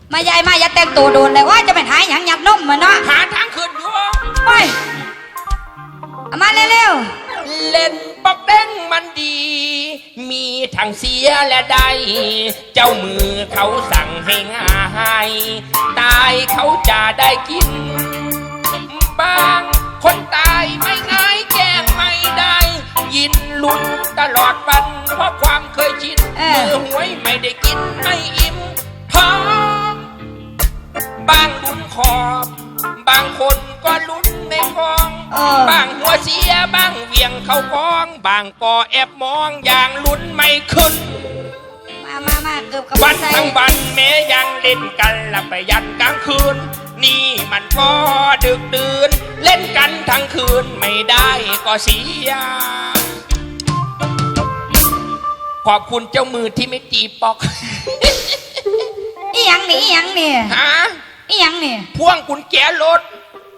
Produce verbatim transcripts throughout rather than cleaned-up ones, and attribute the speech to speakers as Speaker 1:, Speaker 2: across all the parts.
Speaker 1: มายายมาอย่าแต่งตัวโดนเลยว่าจะเป็นหายหยังหยับนมมาเนาะ
Speaker 2: หาทางขึ้นอยู่
Speaker 1: ไปเอามาเร็ว
Speaker 2: ๆเล่นปอกเด้งมันดี มีทั้งเสียและได้เจ้ามือเขาสั่งให้ง่ายตายเขาจะได้กินบางคนตายไม่ง่ายแก้ไม่ได้ยินลุ้นตลอดวันเพราะความเคยชินมือหวยไม่ได้กินไม่อิ่มท้องบางลุ้นขอบบางคนก็ลุ้นในกองบางหัวเสียบางเวียงเข้ากองบางก็แอบมองอย่างลุ้นไม่ขึ้น
Speaker 1: มามามาเกือบกับ
Speaker 2: วันทั้งวันแม้ยังเล่นกันละไปยันกลางคืนนี่มันก็ดึกดื่นเล่นกันทั้งคืนไม่ได้ก็เสียขอบคุณเจ้ามือที่ไม่ตีปอก
Speaker 1: อีหยังนี่อีหยังนี่
Speaker 2: ฮะ
Speaker 1: อีหยังนี่
Speaker 2: พ่วงกุญแจรถ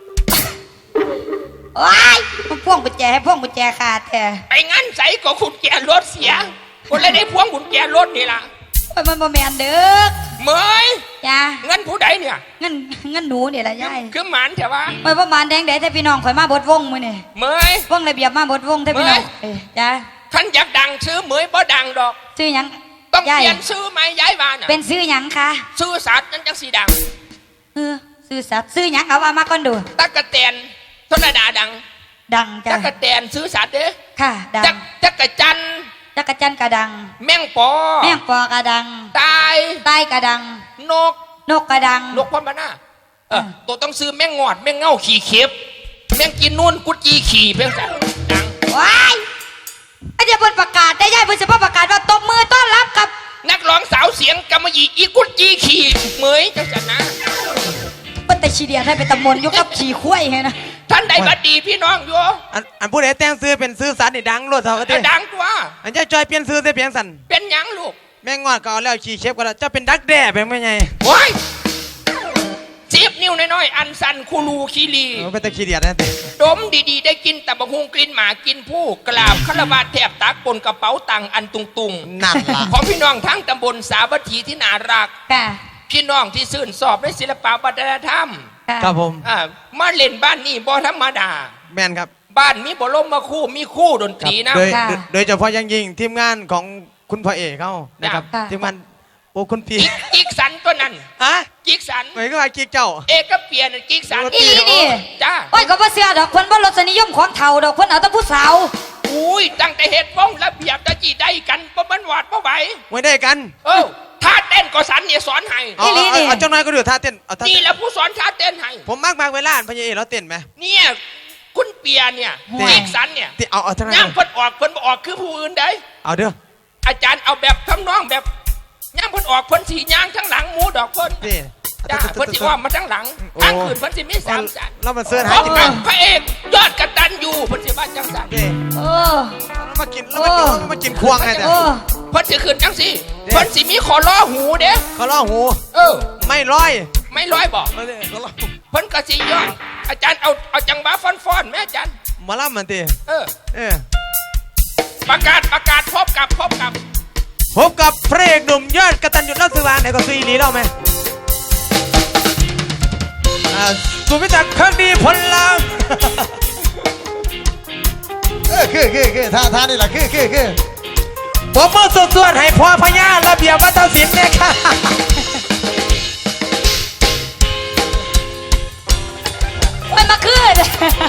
Speaker 1: ว้ายมันพ่วงกุญแจให้พ่วงกุญแจขาดแท้
Speaker 2: ไปงั้นใส่ก็กุญแจรถเสียคนเลยได้พ่วงกุญแจรถนี่ล่ะ
Speaker 1: มันบ่แมนเด้อ
Speaker 2: เมย
Speaker 1: จ้า
Speaker 2: เงินผู้ใดเนี่ย
Speaker 1: เงินเงินหนูเนี่ยละยาย
Speaker 2: คือหมันใช่ปะ
Speaker 1: เมยประมาณแดงแดงแต่พี่น้องข่อยมาบดวงมือนี่
Speaker 2: เมยว
Speaker 1: งระเบียบมาบดวงแต่พี่น้องจ้า
Speaker 2: ท่านอยากดังซื้อเมยบ่ดังดอก
Speaker 1: ซื้อยัง
Speaker 2: ต้องเปลี่ยนซื้อไหมย้ายบ้าน
Speaker 1: เป็นซื้อยังคะ
Speaker 2: ซื้อสัตว์นั่นจังสีดัง
Speaker 1: เออซื้อสัตว์ซื้อยังเอาว่ามาก่อนดู
Speaker 2: ตะกะแตนธนดาดัง
Speaker 1: ดังจ้ะ
Speaker 2: ตะกะแตนซื้อสัตว์เด้อ
Speaker 1: ค่ะดัง
Speaker 2: จักรจัน
Speaker 1: จักรจันกระดัง
Speaker 2: แมงปอ
Speaker 1: แมงปอกระดัง
Speaker 2: ตาย
Speaker 1: ตายกระดัง
Speaker 2: นก
Speaker 1: นกกระดัง
Speaker 2: นกพ่อมาหน้าเออตัวต้องซื้อแมงงอดแมงเง่าขี่เข็บแมงกินนู่นกุจีขี่เพียงแต่ดัง
Speaker 1: ว้ายไอเดียบนประกาศได้ย่ายบนเฉพาะประกาศว่าตบมือต้อนรับกับ
Speaker 2: นักร้องสาวเสียงกำมะหยี่อีกุจีขี่เหมยจังสันนะ
Speaker 1: เป็นแต่ชีเดียได้เป็นตำมนยกกับขี่คุ้ยไงนะ
Speaker 2: ท่านใดบัดดีพี่น้องอยู่
Speaker 3: อันอันผู้ใดแต่งซื้อเป็นซื้อสัตว์นี่ดังโลดเท่ากัน
Speaker 2: ดังตัว
Speaker 3: อันเจ้าจอยเปลี่ยนซื้อได้เพียงสัน
Speaker 2: เป็นยังลูก
Speaker 3: แม่งงอดก็เอาแล้วขี่เชฟก็แล้วเจ้าเป็นดักแด้เป็นไม่ไง
Speaker 2: ว้ายเสียบนิ้วน้อยๆอันสันคูลูคีรี
Speaker 3: เป็นตะขี้เดียดนั่นเอง
Speaker 2: ดมดีๆได้กินแต่บะฮุงกลิ่นหมากินผู้กราบคารวะแทบตักปนกระเป๋าตังอันตุงตุง
Speaker 3: นั่นล่ะ
Speaker 2: ของพี่น้องทั้งตำบลสาวัตถีที่น่ารัก
Speaker 1: ค่ะ
Speaker 2: พี่น้องที่ซื่นสอบในศิลปะวัฒนธรรม
Speaker 3: ครับผม
Speaker 2: อ่ามาเล่นบ้านนี่บ่ธรรมดา
Speaker 3: แม่นครับ
Speaker 2: บ้านมีบ่ลมมาคู่มีคู่ดนตรีนะ
Speaker 3: โดยโดยเฉพาะยังยิ่งทีมงานของคุณพ่อเอกเขานะครับทีมงานโอ้คุณพี่
Speaker 2: กิ๊กสันตัวนั้น
Speaker 3: ฮะ
Speaker 2: กิ๊กสัน
Speaker 3: เหมือนกับว่ากิ๊กเจ้า
Speaker 2: เอกก็เปลี่ยนกิ๊กสัน
Speaker 1: อีนี่
Speaker 2: จ้า
Speaker 1: โอ้ยก็บ่เสียดอกคนบ่รสนิยมของเฒ่าดอกคนเอาแต่ผู้สาว
Speaker 2: อุ้ยตั้งแต่เฮ็ดวงระเบียบตะจีได้กันบ่มันวาดบ่ไหว
Speaker 3: ไม่ได้กัน
Speaker 2: เออท่าเต้นก็สันเนี่ยสอนให้
Speaker 3: อีนี่นี่เอาเจ้าน้อยก็ดูท่าเต้น
Speaker 2: นี่แหละผู้สอนท่าเต้นให้
Speaker 3: ผมมากมากเวลาพญาเอกแล้วเต้นไหม
Speaker 2: เนี่ยคุณเปียเนี่ยกิ๊กสันเนี่ย
Speaker 3: เอาเอาเท่านั้น
Speaker 2: ย่างเพิ่นออกเพิ่นบ่ออกคือผู้อื่นได้
Speaker 3: เอาเด้อ
Speaker 2: อาจารย์เอาแบบทำนองแบบย่างเพิ่นออกเพิ่นสีย่างทั้งหลังหมูดอกเพิ่นจ้าเพิ่นสีอ้อมมาทั้งหลังทั้งคืนเพิ่นสีมีสามจัน
Speaker 3: เรามาเสิร์ชหา
Speaker 2: จิตพระเอกยอดกตัญญูเพิ่นสีบ้านจังสัน
Speaker 1: เออ
Speaker 3: มากินแล้วมากินควงไงแต่
Speaker 2: เพิ่นสีคืนจังสิเพิ่นสีมีขอล้อหูเด้
Speaker 3: ขอล้อหู
Speaker 2: เออ
Speaker 3: ไม่ร้อย
Speaker 2: ไม่ร้อยบอกเพิ่นก็สียอดอาจารย์เอาเอาจังหวะฟ้อนๆแม่อาจารย์
Speaker 3: มาล่ำมันตี
Speaker 2: เออเออประกาศประกาศพบกับพบกับ
Speaker 3: พบกับพระเอกหนุ่มยอดกตัญญูรักษาไหนก็ซีรีส์เราไหมสุวิจักรคดีผลลัพธ์
Speaker 4: เออคือคือคือท่าท่านี่แหละคือคือคือ
Speaker 3: ผมมือสุดส่วนให้พ่อพญาระเบียบวัฒนศิลป์เนี่ยค่ะ
Speaker 1: มันมาขึ้น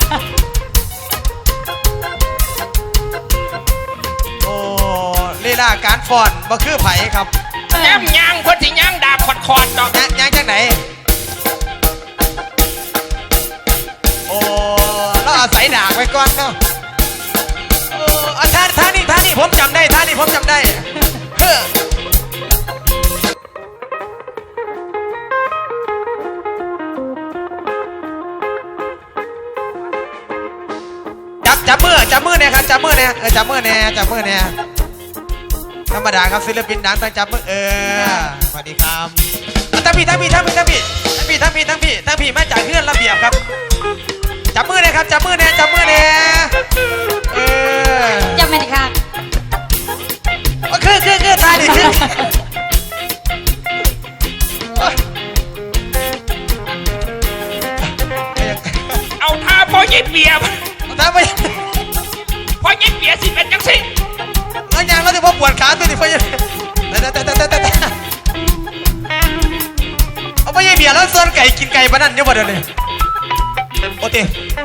Speaker 3: ลีลาการฟ้อนบ่คือไผ่ครับ
Speaker 2: แย้มยางคนที่ยางดาบขอดขอดดอก
Speaker 3: ยางยางจากไหนโอ้เราอาศัยดาบไว้ก่อนเนาะโอ้ท่าท่านี่ท่านี่ผมจำได้ท่านี่ผมจำได้จับจับมือจับมือเนี่ยครับจับมือเนี่ยเออจับมือเนี่ยจับมือเนี่ยธรรมดาครับศิลปินดังต้องจับมือเออ
Speaker 4: สวัสดีครับ
Speaker 3: ทั้งพี่ทั้งพี่ทั้งพี่ทั้งพี่ทั้งพี่ทั้งพี่ทั้งพี่ทั้งพี่มาจากเพื่อนระเบียบครับจับมือเลยครับจับมือเนี่ยจับมือเนี่ยเออ
Speaker 1: จับไม่ได้ค่ะ
Speaker 3: คือคือคือตาดิคือ
Speaker 2: ายเปียบ
Speaker 3: ถ้าไป
Speaker 2: เพราะยายเปียสิเป็นจังสิ
Speaker 3: แล้วยังเราจะพอปวดขาตัวนี้ไปยังแต่แต่แต่แต่แต่เอาไปยังเบียร์แล้วส่วนไก่กินไก่บ้านนั่นเยอะกว่าเดิมเลยโอเค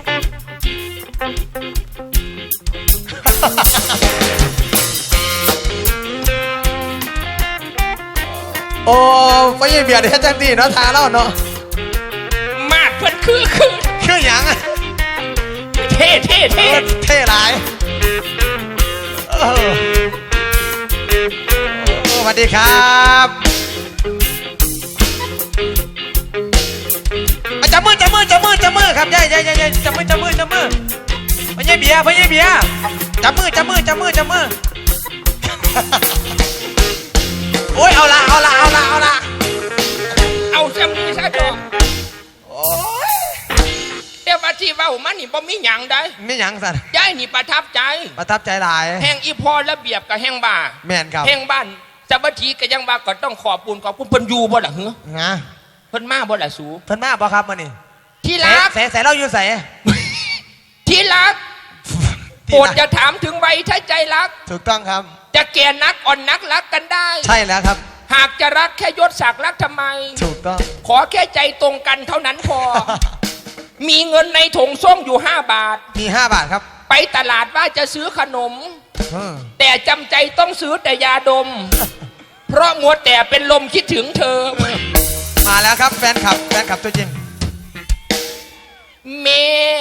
Speaker 3: โอ้ไปยังเบียร์เดี๋ยวจังดีเนาะทาเล่าเนาะ
Speaker 2: มาดเพิ่นคือคือ
Speaker 3: คือหยังอะ
Speaker 2: เท่เท่เท่
Speaker 3: เท่หลายเออสวัสดีครับจับมือจับมือจับมือจับมือครับยายยายยายจับมือจับมือจับมือพ่อใหญ่เบียร์พ่อใหญ่เบียร์จับมือจับมือจับมือจับมือโอ้ยเอาละเอาละเอาละเอาละ
Speaker 2: เอาซำนี้ซะจอ
Speaker 3: โอ้ย
Speaker 2: แต่ว่าที่เว้ามันนี่บ่มีหยังได้
Speaker 3: ไม่หยังสัน
Speaker 2: ยายนี่ประทับใจ
Speaker 3: ประทับใจหลาย
Speaker 2: แห่งอีพอระเบียบกับแห่งบ้า
Speaker 3: แม่นครับ
Speaker 2: แห่งบ้านจับทีก็ยังว่าก็ต้องขอบคุณขอบคุณเพิ่นอยู่บ่ล่ะเหรอ
Speaker 3: นะ
Speaker 2: เพิ่นมาบ่ล่ะสู
Speaker 3: เพิ่นมาบ่ครับมื้อนี้
Speaker 2: ที่รัก
Speaker 3: ใส่ใส่เราอยู่ใส่
Speaker 2: ที่รักโปรดจะถามถึงวัยถ้าใจรัก
Speaker 3: ถูกต้องครับ
Speaker 2: จะแก่นักอ่อนนักรักกันได้
Speaker 3: ใช่แล้วครับ
Speaker 2: หากจะรักแค่ยศศักดิ์รักทำไม
Speaker 3: ถูกต้อง
Speaker 2: ขอแค่ใจตรงกันเท่านั้นพอ มีเงินในถุงส้มอยู่ห้าบาท
Speaker 3: มีห้าบาทครับ
Speaker 2: ไปตลาดว่าจะซื้อขนม
Speaker 3: เออ
Speaker 2: แต่จำใจต้องซื้อแต่ยาดม เพราะมัวแต่เป็นลมคิดถึงเธอ
Speaker 3: มาแล้วครับแฟนคลับแฟนคลับตัวจริง
Speaker 2: แม่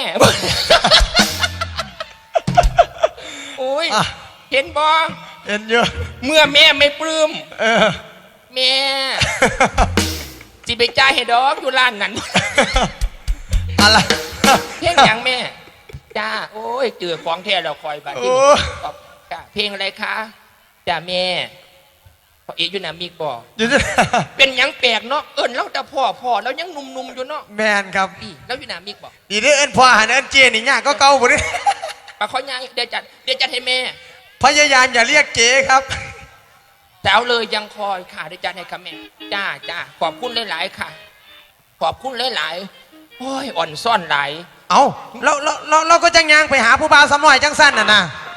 Speaker 2: โอ้ย
Speaker 3: อ่ะ
Speaker 2: เห็นบอ
Speaker 3: เอ็นเยอะ
Speaker 2: เมื่อแม่ไม่ปลื้ม
Speaker 3: เออ
Speaker 2: แม่ สิไปจ่ายให้ดอกอยู่ร้านนั้น
Speaker 3: อะไร
Speaker 2: เพลงอย่างแม่ จ้า โอ้ยเจอของแท้เราคอยบัดนี้
Speaker 3: โอ้
Speaker 2: ขอบจ้าเพลงอะไรคะจ้าแม่พอเอกอยู่นามิกบอก
Speaker 3: อยู่ที่
Speaker 2: เป็นหยังแปลกเนาะเอิญเราแต่พ่อพ่อแล้วยังหนุ่มๆอยู่เนาะ
Speaker 3: แมนครับ
Speaker 2: นี่แล้วอยู่นามิกบอก
Speaker 3: ดีเด้อเอิ้นพ่อหันเอิ้นเจนี่ยากก็เก่าบ่ดิ
Speaker 2: ปะเขายังเดี๋ยวจัดเดี๋ยวจัดให้แม่
Speaker 3: พยายามอย่าเรียกเจครับ
Speaker 2: แต่เอาเลยยังคอยค่ะเดี๋ยวจัดให้ค่ะแม่จ้าจ้าขอบคุณหลายๆค่ะ ขอบคุณหลายๆโอ้ยอ่อนซ่อนหลาย
Speaker 3: เอาเราเราเราเราก็จังยางไปหาผู้บ่าวสำน้อยจังสั้นน่ะนะ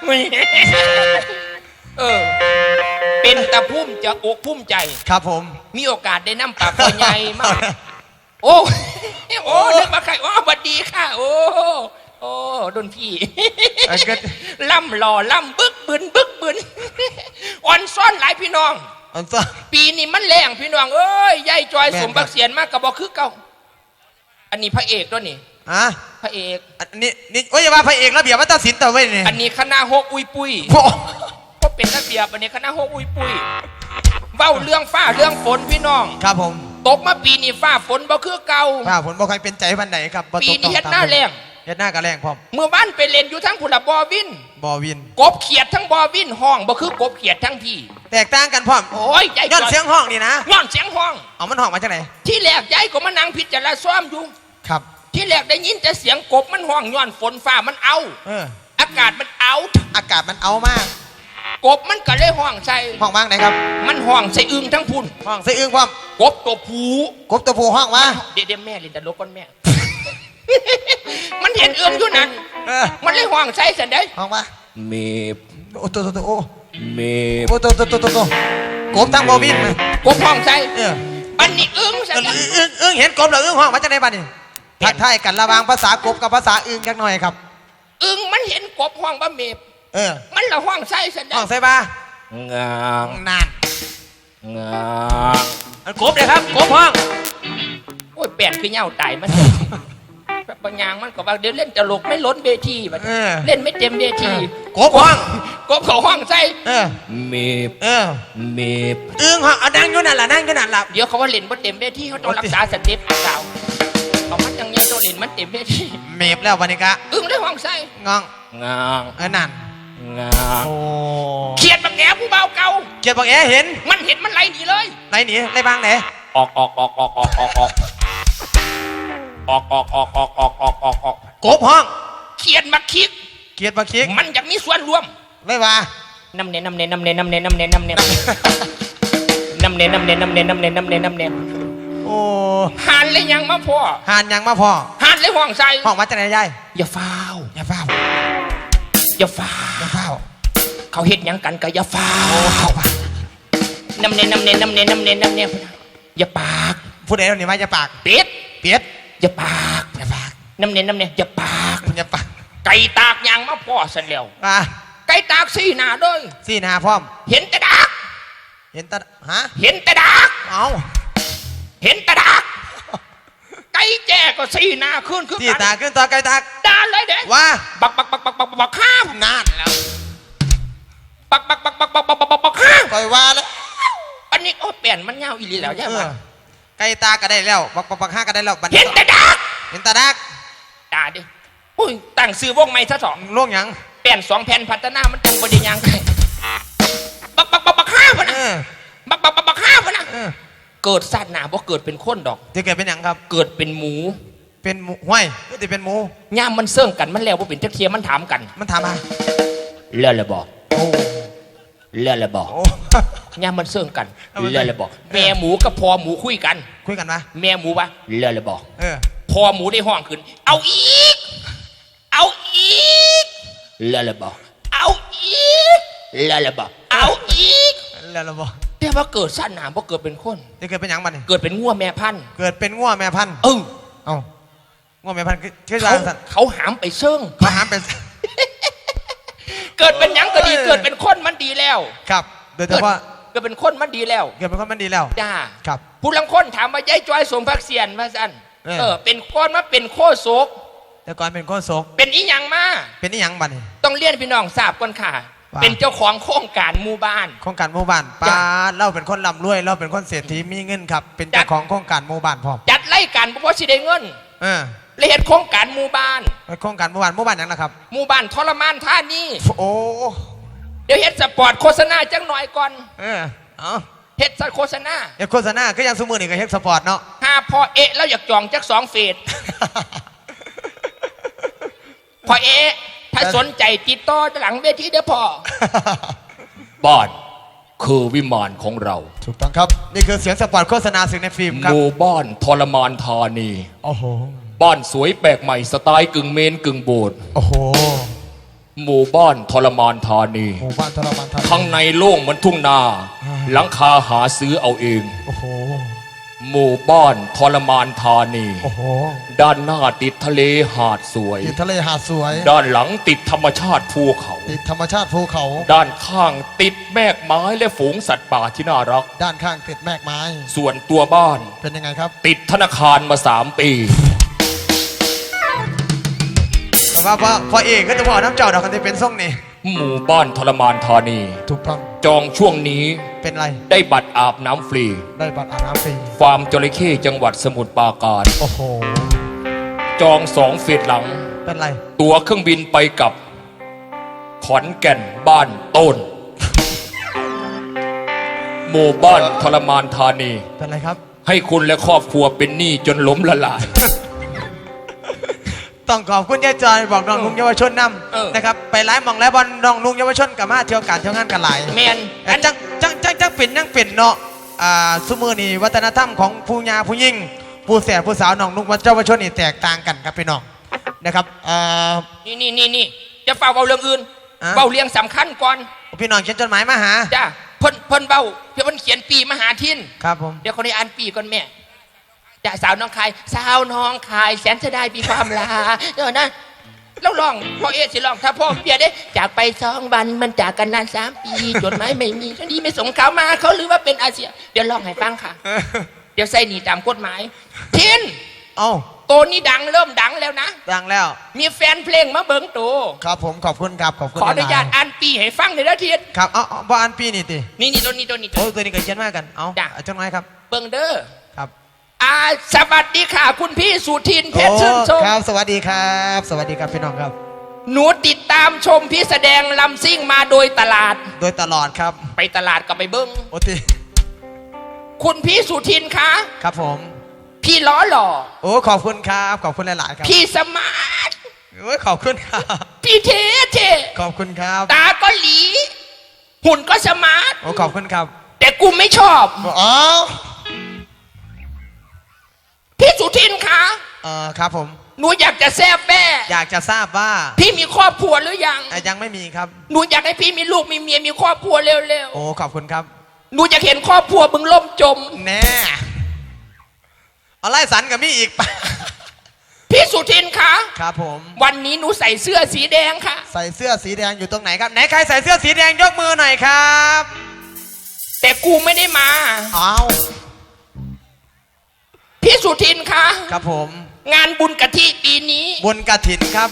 Speaker 2: เออ เป็นตะพุ่มจะอกพุ่มใจ
Speaker 3: ครับผม
Speaker 2: มีโอกาสได้นั่งปากคอใหญ่มาก โอ้ โอ้นึกมาใครอ๋อสวัสดีค่ะ โอ้ โอ้ดนพี่
Speaker 3: เอ้ยก็
Speaker 2: ล่ำหล่อล่ำบึกบึนบึกบึนอ่อนซ่อนหลายพี่น้อง
Speaker 3: อันซ่อน
Speaker 2: ปีนี้มันแรงพี่น้องเอ้ยยายจอย
Speaker 3: แม่น
Speaker 2: สมบักเสียนมากกับบอกคือเก่าอันนี้พระเอกด้วยนี่
Speaker 3: อ่ะ
Speaker 2: พระเอก
Speaker 3: อันนี้นี่โอ้ยอย่าว่าพระเอกระเบียบวัฒนศิลป์แต่เว้ยนี่
Speaker 2: อันนี้คณะฮกอุยปุย
Speaker 3: โอ้
Speaker 2: ก็เป็นระเบียบอันนี้คณะฮกอุยปุยเว้าเรื่องฟ้าเรื่องฝนพี่น้อง
Speaker 3: ครับผม
Speaker 2: ตกมาปีนี้ฟ้าฝนบ่คือเก่า
Speaker 3: ป้าผลบ่ใครเป็นใจวันไหนครับบ่ตก
Speaker 2: ปีนี้
Speaker 3: ต้อง
Speaker 2: เฮ็ด
Speaker 3: ตม
Speaker 2: หน้าแรง
Speaker 3: เฮ็ดหน้ากระแรงพร้อม
Speaker 2: เมื่อวานไปเล่นอยู่ทั้งผุละบอวิน
Speaker 3: บ่วิน
Speaker 2: กบเขียดทั้งบอวินห้องบ่คือกบเขียดทั้งพี่
Speaker 3: แตกต่างกันพร้อม
Speaker 2: โอ้ยยาย
Speaker 3: ย้อนเสียงห้องนี่นะ
Speaker 2: ย้อนเสียงห้อง
Speaker 3: เอามันห้องมาจากไหน
Speaker 2: ที่แรกยายก็มานั่งพิจารณาซ้อมอยู่
Speaker 3: ครับ
Speaker 2: ที่แรกได้ยินแต่เสียงกบมันห้องย้อนฝนฟ้ามันเอา
Speaker 3: เออ
Speaker 2: อากาศมันเอา
Speaker 3: อากาศมันเอามาก
Speaker 2: กบมันก็เลยห้องใส่
Speaker 3: ห้องมากไหนครับ
Speaker 2: มันห้องใส่อึงทั้งพุ่น
Speaker 3: ห้องใส่อึ้งพร้อม
Speaker 2: กบตัวผู
Speaker 3: กบตัวผู้ห้องมา
Speaker 2: เดี๋ยวเดี๋ยวแม่เล่นตลกก่อนแม่ มันเห็นเอื้อมอยู่นั่น
Speaker 3: เออ
Speaker 2: มันเลยห้องใส่เสร็จเด้
Speaker 3: ห้องมา
Speaker 2: เมบ
Speaker 3: โอ้ตัวตัวตัวโอ้
Speaker 2: เมบ
Speaker 3: โอ้ตัวตัวตัวตัวตัวกบทั้งบ่วินนะ
Speaker 2: กบห้องใส่
Speaker 3: เออ
Speaker 2: ปันนี่อึ้ง
Speaker 3: เอ
Speaker 2: ใส่
Speaker 3: ออึ้งอึ้งเห็นกบแล้วอึ้งห้องมาจากไหนบ้านนี่ทักทายกันระหว่างภาษากบกับภาษาอึ้งจักหน่อยครับ
Speaker 2: อึ้งมันเห็นกบห้องบะเมบ
Speaker 3: เออ
Speaker 2: มันละห้องใส่เสร็จเด้
Speaker 3: ห้องใส่บ้าง
Speaker 2: าง
Speaker 3: นาน
Speaker 2: งาง
Speaker 3: อันกบเลยครับกบห้อง
Speaker 2: โอ้ยแปดคือเหย้าตายมันบางอย่างมันก็ว่าเดี๋ยวเล่นตลกไม่ล้นเวทีบัด
Speaker 3: เออ
Speaker 2: เล่นไม่เต็มเวที
Speaker 3: กบห้อง
Speaker 2: กบเขาห้องใส่
Speaker 3: เออ
Speaker 2: เมบ
Speaker 3: เออ
Speaker 2: เมบ
Speaker 3: อึ้งห้องเอานั่งอยู่นั่นล่ะนั่งอยู่นั่นล่ะ
Speaker 2: เดี๋ยวเขาว่าเล่นบ่เต็มเวทีเขาต้องรักษาสเต็ปเก่าเอามันยังไงต้องเล่นมันเต็มเวที
Speaker 3: เมฟแล้ววันนี้กะ
Speaker 2: อึ้งได้ห้องใส่
Speaker 3: งอง
Speaker 2: งาง
Speaker 3: เออนั่น
Speaker 2: งาง
Speaker 3: โอ้
Speaker 2: เขียดบักแหนผู้เบาเก่า
Speaker 3: เกียรติบอกแอเห็น
Speaker 2: มันเห็นมันไหลหนีเลย
Speaker 3: ไหนหนีไรบ้างไหน
Speaker 2: ออกออกออกออกออกออกออกออกออกออกออกออกออกออกออก
Speaker 3: กบห้อง
Speaker 2: เขียดมาคิก
Speaker 3: เกียรติมาคิก
Speaker 2: มันอยากมีส่วนร่วม
Speaker 3: ไม่ว่า
Speaker 2: น้ำเนน้ำเนน้ำเนน้ำเนน้ำเนน้ำเนน้ำเนน้ำเนน้ำเนน้ำเนน้ำเนน้ำเนน้ำเน
Speaker 3: โอ้
Speaker 2: หานเลยยังมาพ่อ
Speaker 3: หานยังมาพอ
Speaker 2: หานดเลยห่วงใส่
Speaker 3: ห้องวัดจังไหนยาย
Speaker 2: อย่าฟ้าว
Speaker 3: อย่าเฝ้า
Speaker 2: อย่าฟ้า
Speaker 3: อย่าเฝ้า
Speaker 2: เขาเฮ็ดหยังกันก็อย่าฟ้า
Speaker 3: โอ้เข้ามา
Speaker 2: น้ำเนนน้ำเนนน้ำเนนน้ำเนนน้ำเนนอย่าปาก
Speaker 3: พูดเองนี่ว่าอย่าปาก
Speaker 2: เป็ด
Speaker 3: เปียด
Speaker 2: อย่าปาก
Speaker 3: อย่าปาก
Speaker 2: น้ำเนนน้ำเนนอย่าปาก
Speaker 3: อย่าปาก
Speaker 2: ไก่ตากยางมาพ่อสันแล้ว
Speaker 3: มา
Speaker 2: ไก่ตากสี่หน้าเด้ย
Speaker 3: สี่นาพร้อม
Speaker 2: เห็นแต่ดัก
Speaker 3: เห็นตาฮะ
Speaker 2: เห็นแต่ดัก
Speaker 3: เอา
Speaker 2: เห็นแต่ดักไก่แจ้ก็สี่หน้าขึ้นขึ้น
Speaker 3: สี่ตาขึ้นต่อไกลตาก
Speaker 2: ด่าเลยเด้
Speaker 3: ว่า
Speaker 2: บักบักบักบักบักบักข้าม
Speaker 3: นานแล้ว
Speaker 2: บักบักบักบักบักบักบักบักข้าม
Speaker 3: ปล่อยว่าแล้ว
Speaker 2: อันนี้โอ้เปลี่ยนมันเงาอีหลีแล้วใช่
Speaker 3: เอ
Speaker 2: ไหม
Speaker 3: อไกลตาก็ได้แล้วบักบักบักห้าก็ได้แล้วบัด
Speaker 2: เห็นแต่ดัก
Speaker 3: เห็นตาดัก
Speaker 2: ด่าดิอุ้ยตั้งซื้อวงไม่ซะสอง
Speaker 3: ล่วงหยัง
Speaker 2: แป้นสองแผ่นพัฒนามันตรงประเด็นยังไงบักบักบักบักข้าว
Speaker 3: เอ
Speaker 2: นะ
Speaker 3: อ
Speaker 2: บักบักบักบักข้าวนะ
Speaker 3: เออ
Speaker 2: เกิดสัตว์หนาบ่เกิดเป็นคนดอก
Speaker 3: จะเกิดเป็นหยังครับ
Speaker 2: เกิดเป็นหมู
Speaker 3: เป็นหมูห้วยหรือจะเป็นหมู
Speaker 2: ย่ามมันเสื่องกันมันแล้วบ่เป็นจักเทียมันถามกัน
Speaker 3: มันถามมา
Speaker 2: เลื่อนเลยบอก
Speaker 3: โอ้
Speaker 2: เลื่อนเลยบอก
Speaker 3: โอ้
Speaker 2: ย่ามมันเสื่องกัน
Speaker 3: เอามัน
Speaker 2: เลื่อนเลยบอก แม่หมูกับพ่อหมูคุยกัน
Speaker 3: คุยกันปะ
Speaker 2: แม่หมูว่าเลื่อนเลยบอก
Speaker 3: เออ
Speaker 2: พ่อหมูได้ห้องขึ้น เอาอีก เอาอีกเลื่อนเลยบอก เอาอีกเลื่อนเลยบอก เอาอีก
Speaker 3: แล้วเราบอก
Speaker 2: แต่ว่าเกิดสัตว์หนาบ่เกิดเป็นคน
Speaker 3: จะเกิดเป็นหยังบัดนี่
Speaker 2: เกิดเป็นงัวแม่พันธุ์
Speaker 3: เกิดเป็นง่วแม่พันธุ์
Speaker 2: เออ
Speaker 3: เอ้าง่วแม่พันธุ์คือคือ
Speaker 2: เขา
Speaker 3: สัตว์
Speaker 2: เขาหามไปเชิง
Speaker 3: เขาหามเป็น
Speaker 2: เกิดเป็นหยังก็ดี
Speaker 3: เออ
Speaker 2: เกิดเป็นคนมันดีแล้ว
Speaker 3: ครับ โดยเฉพาะ
Speaker 2: เกิดเป็นคนมันดีแล้ว
Speaker 3: เกิดเป็นคนมันดีแล้ว
Speaker 2: จ้า
Speaker 3: ครับ
Speaker 2: ผู้ลังคนถามว่ายายจอยสมพักเสียนมาสั่น
Speaker 3: เออ
Speaker 2: เออเป็นคนมาเป็นโคโศก
Speaker 3: แต่ก่อนเป็นคนโศก
Speaker 2: เป็นอีหยังมา
Speaker 3: เป็นนี่ยังบัดนี่
Speaker 2: ต้องเลี้ยนพี่น้องทราบก่อนค่ะ
Speaker 3: ว่า
Speaker 2: เป็นเจ้าของโครงการหมู่บ้าน
Speaker 3: โครงการหมู่บ้านป้า
Speaker 2: จ้ะ
Speaker 3: เราเป็นคนร่ำรวยเราเป็นคนเศรษฐีมีเงินครับ เป็น
Speaker 2: จั
Speaker 3: เจ้า
Speaker 2: ด
Speaker 3: ของโครงการหมู่บ้านพร้อม
Speaker 2: จัดไล่กันเพราะว่าสิได้เงิน
Speaker 3: เออ
Speaker 2: เลยเห็นโครงการหมู่บ้าน
Speaker 3: โครงการหมู่บ้านหมู่บ้านหยังนะครับ
Speaker 2: หมู่บ้านทรมานท่านี่
Speaker 3: โอ้
Speaker 2: เดี๋ยวเฮ็ดสปอร์ตโฆษณาจังหน่อยก่อน
Speaker 3: เออเอา
Speaker 2: เฮ็ดสโฆษณา
Speaker 3: เดี๋ยวโฆษณาก็ยังสมือนี่ก็เฮกสปอร์ตเนาะ
Speaker 2: ห้าพอเอะแล้วอยากจองจักสองเฟส พอเอะถ้าสนใจติดต่อหลังเวทีเด้อพ่อ บ้านคือวิมานของเรา
Speaker 3: ถูกต้องครับ นี่คือเสียงสปอร์ตโฆษณาสื่อในฟิล์มครับ
Speaker 2: หมู่บ้านทรมานธานี
Speaker 3: โอ้โห
Speaker 2: บ้านสวยแปลกใหม่สไตล์กึ่งเมนกึ่งโบสถ์
Speaker 3: โอ้โห
Speaker 2: หมู่บ้านทรมานธานี
Speaker 3: หมู่บ้านทรมานทา
Speaker 2: ข้างในโล่งเหมือนทุ่งนา หลังคาหาซื้อเอาเอง
Speaker 3: โอ้โห
Speaker 2: หมู่บ้านทรมานธานี
Speaker 3: โอ้โห
Speaker 2: ด้านหน้าติดทะเลหาดสวย
Speaker 3: ติดทะเลหาดสวย
Speaker 2: ด้านหลังติดธรรมชาติภูเขา
Speaker 3: ติดธรรมชาติภูเขา
Speaker 2: ด้านข้างติดแมกไม้และฝูงสัตว์ป่าที่น่ารัก
Speaker 3: ด้านข้างติดแมกไม้
Speaker 2: ส่วนตัวบ้าน
Speaker 3: เป็นยังไงครับ
Speaker 2: ติดธนาคารมาสามปี
Speaker 3: แต่ว่าพอพอเอกก็จะบอกน้ำเจ้าดอกกันที่เป็นส่งนี่
Speaker 2: หมู่บ้านทรมานธานี
Speaker 3: ถูกต้อง
Speaker 2: จองช่วงนี้
Speaker 3: เป็นไร
Speaker 2: ได้บัตรอาบน้ำฟรี
Speaker 3: ได้บัตรอาบน้ำฟรี
Speaker 2: ฟาร์มจระเข้จังหวัดสมุทรปราการ
Speaker 3: โอ้โห
Speaker 2: จองสองเฟสหลัง
Speaker 3: เป็นไร
Speaker 2: ตั๋วเครื่องบินไปกับขอนแก่นบ้านต้น หมู่บ้านทรมานธานี
Speaker 3: เป็นไรครับ
Speaker 2: ให้คุณและครอบครัวเป็นหนี้จนล้มละลาย
Speaker 3: ต้องขอบคุณยายจอยบอกน้องลุงเยาวชนน
Speaker 2: เออ
Speaker 3: ำนะครับ ไปไล่มองแล้วบอลน้องลุงเยาวชนกับมาเที่ยวการเที่ยวงานกันหลาย
Speaker 2: แมน
Speaker 3: แต่จังจังจังจังเป็นยังเป็นเนาะอ่าสมือนี่วัฒนธรรมของผู้ยาผู้ยิ่งผู้แสบผู้สาวน้องลุงเยาวชนนี่แตกต่างกันครับพี่น้องนะครับอ่า
Speaker 2: นี่นี่นี่นี่จะเฝ้าเบาเรื่องอื่น
Speaker 3: อ่ะ
Speaker 2: เบาเรื่องสำคัญก่อน
Speaker 3: พี่น้องเขียนจดหมายมาหา
Speaker 2: จ้าเพิ่นเพิ่นเบาเพิ่นเขียนปีมหาทิน
Speaker 3: ครับผม
Speaker 2: เดี๋ยวคนนี้อ่านปีก่อนแม่จ้าสาวน้องคายสาวน้องคายแสนเสียดายปีความลาเดี๋ยวนะแล้วลองพ่อเอสิลองถ้าพ่อเปียได้จากไปสองวันมันจากกันนานสามปีจดหมายไม่มีทั้งนี้ไม่ส่งเขามาเขาหรือว่าเป็นอาเซียเดี๋ยวลองให้ฟังค่ะ เดี๋ยวใส่หนีตามกฎหมายทิน
Speaker 3: เอ้า
Speaker 2: ตัวนี้ดังเริ่มดังแล้วนะ
Speaker 3: ดังแล้ว
Speaker 2: มีแฟนเพลงมาเบิ้งตัว
Speaker 3: ครับผมขอบคุณครับขอบคุณ
Speaker 2: ขออนุญาต
Speaker 3: หลย
Speaker 2: อ่านปีให้ฟังหน่อยนะทิน
Speaker 3: ๆครับเอาเอาบ่อันปีนี่ติ
Speaker 2: นี่นี่ตัวนี้ตัวนี้ตัว
Speaker 3: โอ้
Speaker 2: นี้
Speaker 3: ตัวนี้ก็เขียนมากันเอา
Speaker 2: จ้ะ
Speaker 3: เอาจดหมายครับ
Speaker 2: เบิ้งเด้อ
Speaker 3: ครับ
Speaker 2: อ่าสวัสดีค่ะ คุณพี่สุทินเพชรชื่นชม
Speaker 3: ครับสวัสดีครับ สวัสดีครับพี่น้องครับ
Speaker 2: หนูติดตามชมพี่แสดงลำซิ่งมาโดยตลาด
Speaker 3: โดยตลอดครับ
Speaker 2: ไปตลาดก็ไปเบิ้ง
Speaker 3: โอติ
Speaker 2: คุณพี่สุทินคะ
Speaker 3: ครับผม
Speaker 2: พี่ล้อหล่อ
Speaker 3: โอ้ขอบคุณครับขอบคุณหลายๆครับ
Speaker 2: พี่สมาร์ท
Speaker 3: โอ้ยขอบคุณครับ
Speaker 2: พี่เทเท
Speaker 3: ขอบคุณครับ
Speaker 2: ตาก็หลี หุ่นก็สมาร์ท
Speaker 3: โอ้ขอบคุณครับ
Speaker 2: แต่กูไม่ชอบ
Speaker 3: อ๋อ
Speaker 2: พี่สุทินคะ
Speaker 3: เออครับผม
Speaker 2: หนูอยากจะแซบแม่
Speaker 3: อยากจะทราบว่า
Speaker 2: พี่มีครอบครัวหรือยัง
Speaker 3: เอ่อยังไม่มีครับ
Speaker 2: หนูอยากให้พี่มีลูกมีเมียมีครอบครัวเร็ว
Speaker 3: โอ้ขอบคุณครับ
Speaker 2: ๆหนูอยากเห็นครอบครัวมึงล่มจม
Speaker 3: แน่เอาไล่สันกับมี่อีกปะ
Speaker 2: พี่สุทินคะ
Speaker 3: ครับผม
Speaker 2: วันนี้หนูใส่เสื้อสีแดงค่ะ
Speaker 3: ใส่เสื้อสีแดงอยู่ตรงไหนครับไหนใครใส่เสื้อสีแดงยกมือหน่อยครับ
Speaker 2: แต่กูไม่ได้มา
Speaker 3: อ้าว
Speaker 2: พี่สุทินคะ
Speaker 3: ครับผม
Speaker 2: งานบุญกะทิปีนี้
Speaker 3: บนกระถินครับ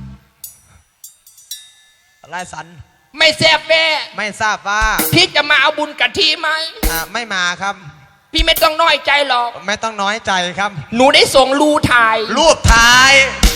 Speaker 3: ไล่สัน
Speaker 2: ไม่แซบแม่
Speaker 3: ไม่ทราบว่า
Speaker 2: พี่จะมาเอาบุญกะทิไหม
Speaker 3: อ่าไม่มาครับ
Speaker 2: พี่ไม่ต้องน้อยใจหรอก
Speaker 3: ไม่ต้องน้อยใจครับ
Speaker 2: หนูได้ส่งรูถ่าย
Speaker 3: รูปถ่าย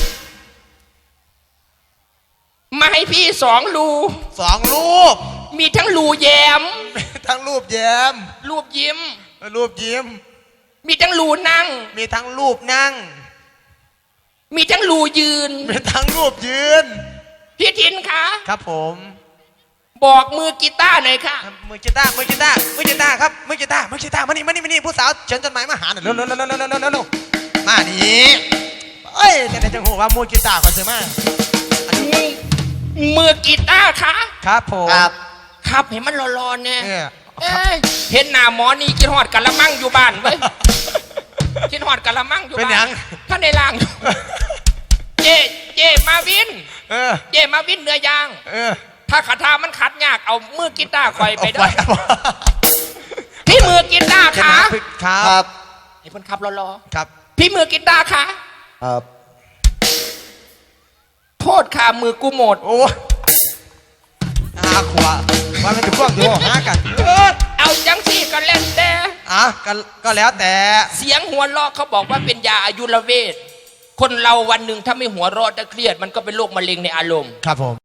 Speaker 2: มาให้พี่สองรู
Speaker 3: สองรูป
Speaker 2: มีทั้งรูแย้ม
Speaker 3: ทั้งรูปแย้ม
Speaker 2: รูปยิ้ม
Speaker 3: รูปยิ้ม
Speaker 2: มีทั้งรูนั่ง
Speaker 3: มีทั้งรูปนั่ง
Speaker 2: มีทั้งรูยืน
Speaker 3: มีทั้งรูปยืน
Speaker 2: พี่ทินคะ
Speaker 3: ครับผม
Speaker 2: บอกมือกีตาร์หน่อยค่ะ
Speaker 3: มือกีตาร์มือกีตาร์มือกีตาร์ครับมือกีตาร์มือกีตาร์มานี่มานี่มานี่ผู้สาวเชิญจดหมายมาหาหน่อยเร็วเร็วเร็วเร็วเร็วเร็วเร็วเร็วมานี่เอ้ยแต่ไหนจังหูว่ามือกีตาร์ก่อนเสียมา
Speaker 2: มือมือกีตาร์คะ
Speaker 3: ครับผม
Speaker 2: ครับเห็นมันร้อนๆเนี่ย
Speaker 3: เออ
Speaker 2: เอ้ยเห็นหน้าหมอนี่กินหอดกะละมังอยู่บ้านเว้ยกินหอดกะละมังอยู่
Speaker 3: เป็น
Speaker 2: บ้า
Speaker 3: หยั
Speaker 2: น
Speaker 3: ง
Speaker 2: ท่านในล่างอยู่เจเจมาวิน
Speaker 3: เออ
Speaker 2: เจมาวินเนื้อย่าง
Speaker 3: เออ
Speaker 2: ถ้าขาทามันขัดยากเอามือกีตาร์คอยไป
Speaker 3: เอา
Speaker 2: เด้อ
Speaker 3: ครับผม
Speaker 2: พี่มือกีตาร์
Speaker 3: ค
Speaker 2: ขา
Speaker 3: รับ
Speaker 2: ไอ้คนขับรอ
Speaker 3: ครับ
Speaker 2: ๆพี่มือกีตาร์ขา
Speaker 4: ครับ
Speaker 2: โทษค่ะมือกูหมด
Speaker 3: โอ้อาขวาว่ามันจะพ่วงอยู่หากัน
Speaker 2: เออเอาจังสี่ก็เล่นแต่
Speaker 3: อ่ะก็ก็แล้วแต่
Speaker 2: เสียงหัวเราะเขาบอกว่าเป็นยาอายุรเวทคนเราวันหนึ่งถ้าไม่หัวเราะจะเครียดมันก็เป็นโรคมะเร็งในอารมณ์
Speaker 3: ครับผม